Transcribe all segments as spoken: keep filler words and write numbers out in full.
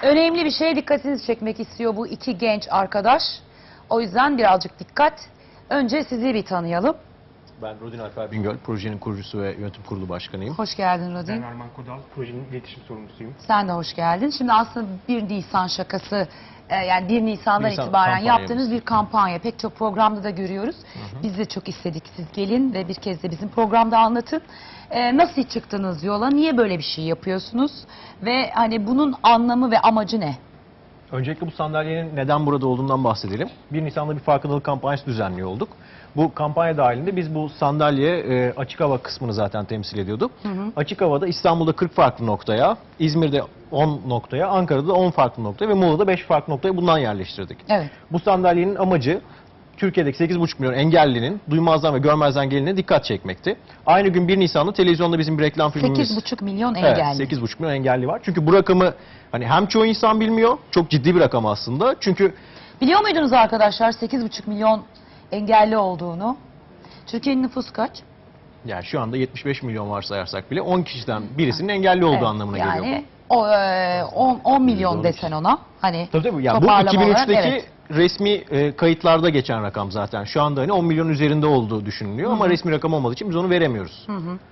Önemli bir şeye dikkatinizi çekmek istiyor bu iki genç arkadaş. O yüzden birazcık dikkat. Önce sizi bir tanıyalım. Ben Rodin Alper Bingöl, projenin kurucusu ve yönetim kurulu başkanıyım. Hoş geldin Rodin. Ben Arman Kodal, projenin iletişim sorumlusuyum. Sen de hoş geldin. Şimdi aslında bir Nisan şakası, e, yani bir Nisan'dan Nisan itibaren kampanyamız. yaptığınız bir kampanya. Pek çok programda da görüyoruz. Hı hı. Biz de çok istedik siz gelin ve bir kez de bizim programda anlatın. E, nasıl çıktınız yola? Niye böyle bir şey yapıyorsunuz? Ve hani bunun anlamı ve amacı ne? Öncelikle bu sandalyenin neden burada olduğundan bahsedelim. bir Nisan'da bir farkındalık kampanyası düzenliyor olduk. Bu kampanya dahilinde biz bu sandalye e, açık hava kısmını zaten temsil ediyorduk. Hı hı. Açık havada İstanbul'da kırk farklı noktaya, İzmir'de on noktaya, Ankara'da on farklı noktaya ve Muğla'da beş farklı noktaya bundan yerleştirdik. Evet. Bu sandalyenin amacı Türkiye'deki sekiz buçuk milyon engellinin duymazdan ve görmezden geline dikkat çekmekti. Aynı gün bir Nisan'da televizyonda bizim bir reklam filmimiz... sekiz buçuk milyon engelli. Evet, sekiz buçuk milyon engelli var. Çünkü bu rakamı hani hem çoğu insan bilmiyor, çok ciddi bir rakam aslında. Çünkü biliyor muydunuz arkadaşlar sekiz buçuk milyon engelli olduğunu? Türkiye'nin nüfusu kaç? yani şu anda yetmiş beş milyon varsayarsak bile on kişiden birisinin engelli olduğu Evet, anlamına yani geliyor o e, on, on milyon Doğru. desen ona. Hani bu. Tabii tabii. Yani bu toparlama iki bin üçteki olarak, evet. resmi e, kayıtlarda geçen rakam zaten. Şu anda hani on milyon üzerinde olduğu düşünülüyor Hı hı. ama resmi rakam olmadığı için biz onu veremiyoruz. Hı hı.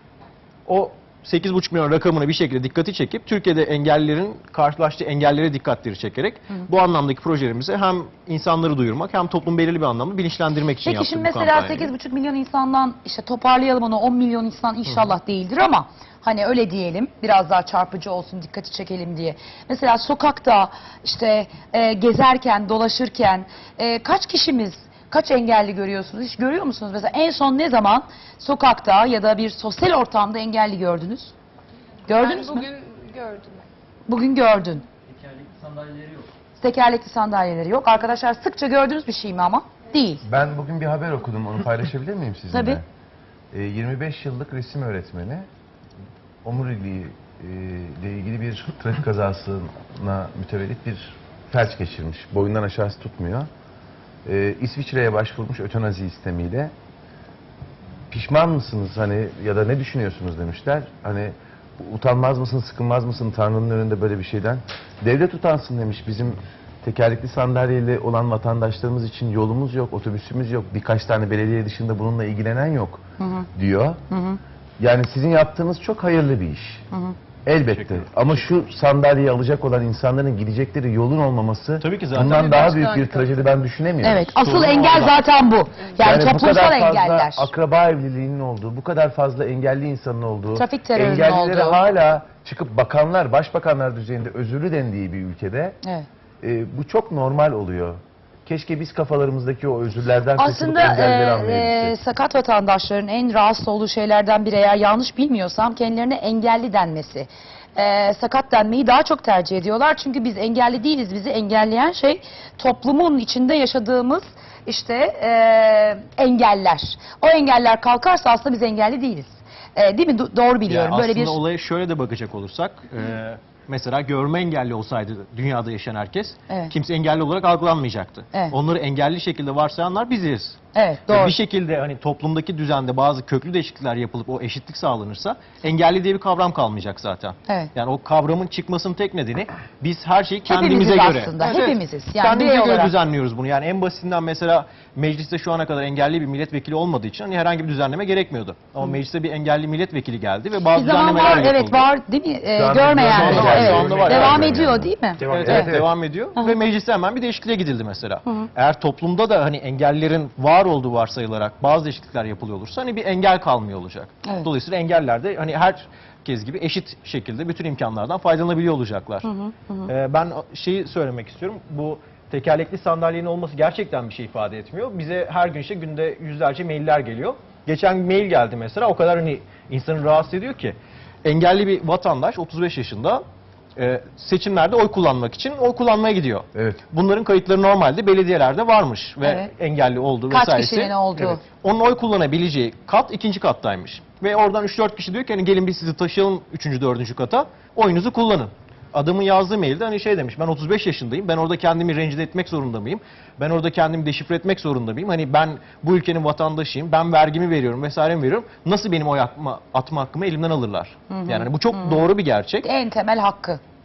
O sekiz buçuk milyon rakamına bir şekilde dikkati çekip Türkiye'de engellilerin karşılaştığı engellere dikkatleri çekerek Hı hı. bu anlamdaki projelerimizi hem insanları duyurmak hem toplum belirli bir anlamda bilinçlendirmek için Peki yaptık şimdi bu mesela kampanyayı. sekiz buçuk milyon insandan işte toparlayalım onu, on milyon insan inşallah değildir ama hani öyle diyelim, biraz daha çarpıcı olsun, dikkati çekelim diye. Mesela sokakta işte e, gezerken, dolaşırken e, kaç kişimiz, kaç engelli görüyorsunuz? Hiç görüyor musunuz? Mesela en son ne zaman sokakta ya da bir sosyal ortamda engelli gördünüz? Gördünüz Ben mü? bugün gördüm. Bugün gördün. Tekerlekli sandalyeleri yok. Tekerlekli sandalyeleri yok. Arkadaşlar sıkça gördüğünüz bir şey mi ama? Değil. Ben bugün bir haber okudum, onu paylaşabilir miyim sizinle? Tabii. Ee, yirmi beş yıllık resim öğretmeni omuriliği e, ile ilgili bir trafik kazasına mütevellit bir felç geçirmiş. Boyundan aşağısı tutmuyor. Ee, İsviçre'ye başvurmuş ötenazi istemiyle. Pişman mısınız hani ya da ne düşünüyorsunuz demişler. Hani utanmaz mısın, sıkılmaz mısın Tanrı'nın önünde böyle bir şeyden? Devlet utansın demiş. Bizim tekerlekli sandalyeyle olan vatandaşlarımız için yolumuz yok, otobüsümüz yok. Birkaç tane belediye dışında bununla ilgilenen yok Hı hı. diyor. Hı hı. Yani sizin yaptığınız çok hayırlı bir iş. Hı hı. Elbette. Ama şu sandalyeyi alacak olan insanların gidecekleri yolun olmaması Tabii ki zaten. bundan Tabii daha başka büyük bir harika. trajedi ben düşünemiyorum. Evet, asıl Sorun engel orada. zaten bu. Yani, Yani bu toplumsal kadar fazla engeller. akraba evliliğinin olduğu, bu kadar fazla engelli insanın olduğu, Trafik terörünün engellilere olduğu. hala çıkıp bakanlar, başbakanlar düzeyinde özürlü dendiği bir ülkede Evet. e, bu çok normal oluyor. Keşke biz kafalarımızdaki o özürlerden kurtulup Aslında engelleri e, e, anlayabilsek. sakat vatandaşların en rahatsız olduğu şeylerden biri, eğer yanlış bilmiyorsam, kendilerine engelli denmesi. E, sakat denmeyi daha çok tercih ediyorlar. Çünkü biz engelli değiliz. Bizi engelleyen şey toplumun içinde yaşadığımız işte e, engeller. O engeller kalkarsa aslında biz engelli değiliz. E, değil mi? Do- doğru biliyorum. Yani Böyle aslında bir olaya şöyle de bakacak olursak, e, mesela görme engelli olsaydı dünyada yaşayan herkes, Evet. kimse engelli olarak algılanmayacaktı. Evet. Onları engelli şekilde varsayanlar biziz. evet, Ve doğru. bir şekilde hani toplumdaki düzende bazı köklü değişiklikler yapılıp o eşitlik sağlanırsa engelli diye bir kavram kalmayacak zaten. Evet. Yani o kavramın çıkmasının tek nedeni biz her şeyi kendimize Hepimiziz göre. aslında, hepimiziz. Yani kendimize birey göre olarak. düzenliyoruz bunu. Yani en basitinden mesela mecliste şu ana kadar engelli bir milletvekili olmadığı için hani herhangi bir düzenleme gerekmiyordu. Ama mecliste bir engelli milletvekili geldi ve bazı Bir zaman düzenlemeler var, yapıldı. evet var değil mi? E, Şu anda görmeyen, görme engelli var, evet. şu anda var. Devam Evet. ediyor değil mi? Devam Evet, ediyor. evet, Evet. devam ediyor Aha. ve mecliste hemen bir değişikliğe gidildi mesela. Hı hı. Eğer toplumda da hani engellerin var olduğu varsayılarak bazı değişiklikler yapılıyor olursa hani bir engel kalmıyor olacak. Evet. Dolayısıyla engeller de hani herkes gibi eşit şekilde bütün imkanlardan faydalanabiliyor olacaklar. Hı hı, hı. Ee, ben şeyi söylemek istiyorum. Bu tekerlekli sandalyenin olması gerçekten bir şey ifade etmiyor. Bize her gün işte günde yüzlerce mailler geliyor. Geçen bir mail geldi mesela, o kadar hani insanı rahatsız ediyor ki. Engelli bir vatandaş otuz beş yaşında e, seçimlerde oy kullanmak için oy kullanmaya gidiyor. Evet. Bunların kayıtları normalde belediyelerde varmış ve Evet. engelli olduğu Kaç vesairesi. kişinin olduğu. Evet. Onun oy kullanabileceği kat ikinci kattaymış. Ve oradan üç dört kişi diyor ki hani gelin biz sizi taşıyalım üçüncü dördüncü kata, oyunuzu kullanın. Adamın yazdığı mailde hani şey demiş, ben otuz beş yaşındayım, ben orada kendimi rencide etmek zorunda mıyım? Ben orada kendimi deşifre etmek zorunda mıyım? Hani ben bu ülkenin vatandaşıyım, ben vergimi veriyorum vesairemi veriyorum. Nasıl benim oy atma, atma hakkımı elimden alırlar? Hı hı. Yani hani bu çok Hı hı. doğru bir gerçek. En temel hakkı.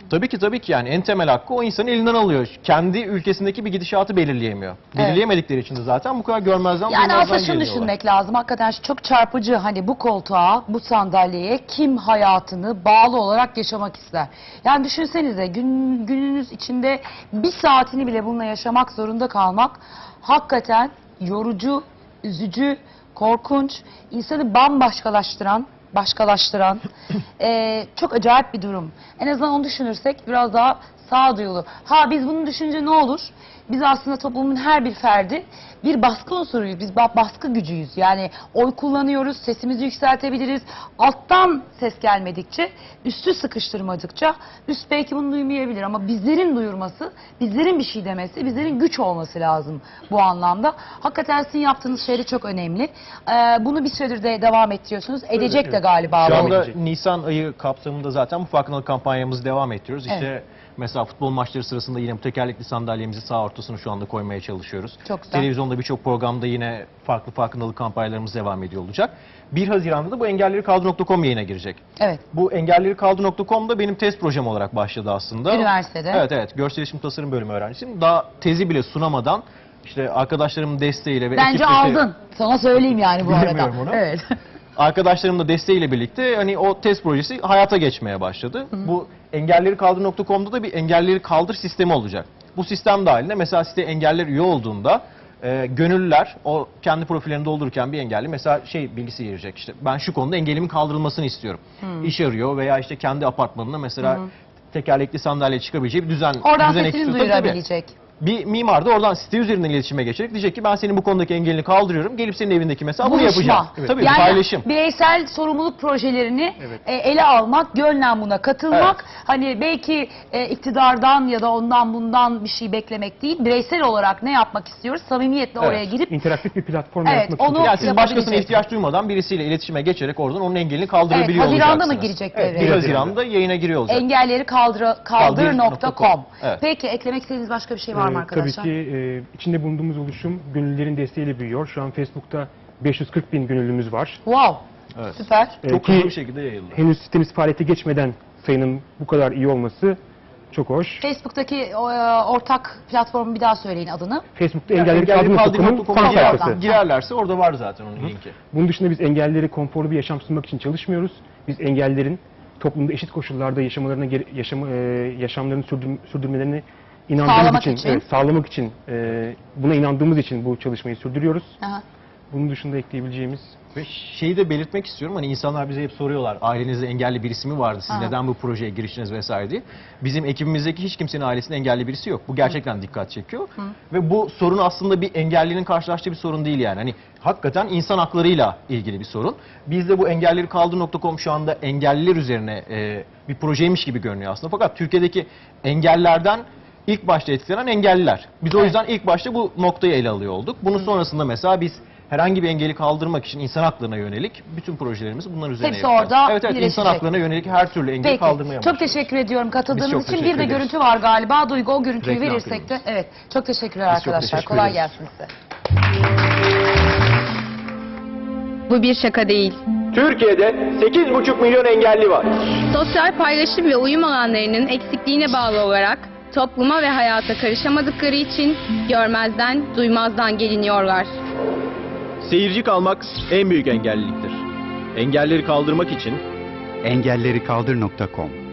Tabii ki tabii ki yani en temel hakkı o insanın elinden alıyor. Kendi ülkesindeki bir gidişatı belirleyemiyor. Belirleyemedikleri için de zaten bu kadar görmezden Yani duymazdan aslında şunu geliyorlar. düşünmek lazım. Hakikaten şu çok çarpıcı, hani bu koltuğa, bu sandalyeye kim hayatını bağlı olarak yaşamak ister? Yani düşünsenize, gün, gününüz içinde bir saatini bile bununla yaşamak zorunda kalmak hakikaten yorucu, üzücü, korkunç, insanı bambaşkalaştıran, başkalaştıran eee, çok acayip bir durum. En azından onu düşünürsek biraz daha sağduyulu. Ha biz bunu düşünce ne olur? Biz aslında toplumun her bir ferdi bir baskı unsuruyuz. Biz ba- baskı gücüyüz. Yani oy kullanıyoruz, sesimizi yükseltebiliriz. Alttan ses gelmedikçe, üstü sıkıştırmadıkça üst belki bunu duymayabilir. Ama bizlerin duyurması, bizlerin bir şey demesi, bizlerin güç olması lazım bu anlamda. Hakikaten sizin yaptığınız şey de çok önemli. Ee, bunu bir süredir de devam ettiriyorsunuz. Edecek de galiba. Şu bu. anda Nisan ayı kapsamında zaten bu farkındalık kampanyamızı devam ettiriyoruz. İşte mesela futbol maçları sırasında yine bu tekerlekli sandalyemizi sağ ortasına şu anda koymaya çalışıyoruz. Çok güzel. Televizyonda birçok programda yine farklı farkındalık kampanyalarımız devam ediyor olacak. bir Haziran'da da bu engelleri kaldır nokta com yayına girecek. Evet. Bu engelleri kaldır nokta com'da benim test projem olarak başladı aslında. Üniversitede. Evet evet. Görsel iletişim tasarım bölümü öğrencisiyim. Daha tezi bile sunamadan işte arkadaşlarımın desteğiyle ve Bence ekip desteği- aldın. Sana söyleyeyim yani bu arada. Bilmiyorum onu. Evet. Arkadaşlarımın da desteğiyle birlikte hani o test projesi hayata geçmeye başladı. Bu engelleri kaldır nokta com'da da bir engelleri kaldır sistemi olacak. Bu sistem dahilinde mesela site engeller üye olduğunda e, gönüllüler o kendi profillerini doldururken bir engelli mesela şey bilgisi girecek, işte ben şu konuda engelimin kaldırılmasını istiyorum. İş arıyor veya işte kendi apartmanında mesela tekerlekli sandalye çıkabileceği bir düzen Oradan düzen sesini ekliyor. Tabii, tabii. duyurabilecek. Bir mimar da oradan site üzerinden iletişime geçerek diyecek ki ben senin bu konudaki engelini kaldırıyorum. Gelip senin evindeki mesela bunu Buluşma. yapacağım. Tabii yani paylaşım. bireysel sorumluluk projelerini Evet. e, ele almak, gönlen buna katılmak. Hani belki e, iktidardan ya da ondan bundan bir şey beklemek değil. Bireysel olarak ne yapmak istiyoruz? Samimiyetle Evet. oraya girip İnteraktif bir platform Evet, yaratmak için onu- Yani siz yapabilecek. başkasına ihtiyaç duymadan birisiyle iletişime geçerek oradan onun engelini evet, kaldırabiliyor Haziran'da olacaksınız. mı girecek Evet, devreye? bir Haziran'da yayına giriyor olacak. engelleri kaldır, kaldır nokta com. Evet. Peki eklemek istediğiniz başka bir şey var mı Ee, arkadaşlar? Tabii ki e, içinde bulunduğumuz oluşum gönüllülerin desteğiyle büyüyor. Şu an Facebook'ta beş yüz kırk bin gönüllümüz var. Wow. Evet. Süper. Ee, Çok ki hızlı bir şekilde yayıldı. henüz sitemiz faaliyete geçmeden sayının bu kadar iyi olması çok hoş. Facebook'taki o, e, ortak platformu bir daha söyleyin adını. Facebook'ta Yani engelleri engelleri kaldır nokta com'un kaldırı nokta fan com'a girer- sayfası. girerlerse orada var zaten onun linki. Bunun dışında biz engelleri konforlu bir yaşam sunmak için çalışmıyoruz. Biz engellerin toplumda eşit koşullarda yaşamalarına gere- yaşam, e, yaşamlarını sürdür- sürdürmelerini inandığımız Sağlamak için, için. evet, sağlamak için, e, buna inandığımız için bu çalışmayı sürdürüyoruz. Aha. Bunun dışında ekleyebileceğimiz Ve şeyi de belirtmek istiyorum, hani insanlar bize hep soruyorlar, ailenizde engelli birisi mi vardı, siz Aha. neden bu projeye giriştiniz vesaire diye. Bizim ekibimizdeki hiç kimsenin ailesinde engelli birisi yok. Bu gerçekten dikkat çekiyor. Ve bu sorun aslında bir engellinin karşılaştığı bir sorun değil yani. Hani hakikaten insan haklarıyla ilgili bir sorun. Biz de bu engelleri kaldır nokta com şu anda engelliler üzerine e, bir projeymiş gibi görünüyor aslında. Fakat Türkiye'deki engellerden ilk başta etkilenen engelliler. Biz o Evet. yüzden ilk başta bu noktayı ele alıyor olduk. Bunun sonrasında mesela biz herhangi bir engeli kaldırmak için insan haklarına yönelik bütün projelerimizi bunlar üzerine Hepsi yapacağız. orada Evet evet, insan birleşecek. haklarına yönelik her türlü engeli Peki. kaldırmaya Çok başlıyoruz. teşekkür ediyorum Biz katıldığınız çok için. Bir teşekkür de ederiz. görüntü var galiba. Duygu o görüntüyü Reklam verirsek de. filmimiz. Evet. Çok teşekkürler Biz çok arkadaşlar. teşekkür Kolay ederiz. gelsin size. Bu bir şaka değil. Türkiye'de sekiz buçuk milyon engelli var. Sosyal paylaşım ve uyum alanlarının eksikliğine bağlı olarak topluma ve hayata karışamadıkları için görmezden, duymazdan geliniyorlar. Seyirci kalmak en büyük engelliliktir. Engelleri kaldırmak için engelleri kaldır nokta com